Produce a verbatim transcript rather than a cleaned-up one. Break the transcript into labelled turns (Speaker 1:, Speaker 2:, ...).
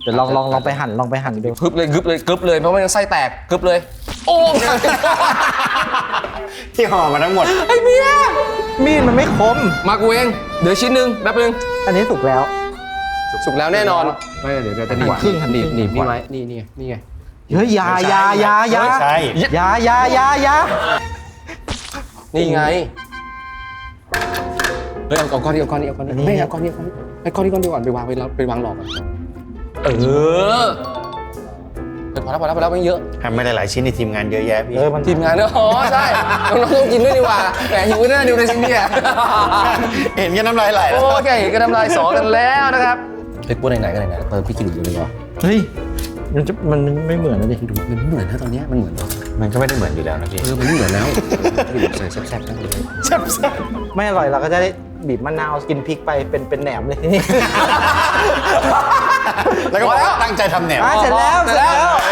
Speaker 1: ดี๋ยวลองลองลองไปหั่นลองไปหั่นดู
Speaker 2: กึบเลยกึบเลยกึบเลยเพราะมันไส้แตกกึบเลยโอ้
Speaker 3: ที่ห่อมาทั้งหมด
Speaker 2: ไอ้เมีย
Speaker 1: มีดมันไม่คม
Speaker 2: มากูเองเดี๋ยวชิ้นหนึ่งแป๊บนึง
Speaker 1: อันนี้สุกแล้ว
Speaker 2: สุกแล้วแน่นอนไม่เดี๋ยวจะหนีบ
Speaker 1: หั่นครึ่งหั่น
Speaker 2: หนีบ
Speaker 1: ครึ่ง
Speaker 2: หนีบนี่ไว้นี่นี่ไงนี่ไง
Speaker 1: เฮ้ยอยาอยาอยาอยา
Speaker 3: ไม่ใช่
Speaker 1: อยาอยาอยาอยา
Speaker 2: นี่ไงเฮ้ยเอาเอาก้อนนี้เอาก้อนนี้เอาก้อนนี้ไม่เอาก้อนนี้เอาก้อนนี้ไอ้ก้อนนี้ก้อนเดียวก่อนไปวางไปแล้วไปวางหลอกก่อนเออเฮ้ยพอแล้วพอแล้วพอแล้วไม่เยอะ
Speaker 3: ทำไม่หลายๆชิ้นในทีมงานเยอะแยะพี่
Speaker 1: เออมัน
Speaker 2: ทีมงานเนอะอ๋อใช่น้องๆต้องกินด้วยดีกว่าแหมหิวแน่ดูในซิงเดีย
Speaker 3: เห็นกันน้ำลายไหลแล้ว
Speaker 2: โอเคก็น้ำลายสอกันแล้วนะครับเฮ้ยพูดไหนๆก็ไหนๆเติมพี่กินดูเลยดีกว่า
Speaker 1: เฮ้ยมันจะมันไม่เหมือนนะดิ
Speaker 2: ดูมันไม่เหมือนนะตอนนี้มันเหมือน
Speaker 3: มันก็ไม่ได้เหมือนอยู่แล้วนะพี่
Speaker 2: เออมันไม่เหมือนแล้วใส่แซ่บๆนั่นเลย
Speaker 3: แซ่บ
Speaker 1: ไม่อร่อยเราก็จะได้บีบมะนาวกินพริกไปเป็นเป็นแหนมเลยทีนี้
Speaker 3: ๆแล้วก็บอกว่าตั้งใจทำแหนม
Speaker 1: อ่ะเสร็จแล้วเสร็จแล้ว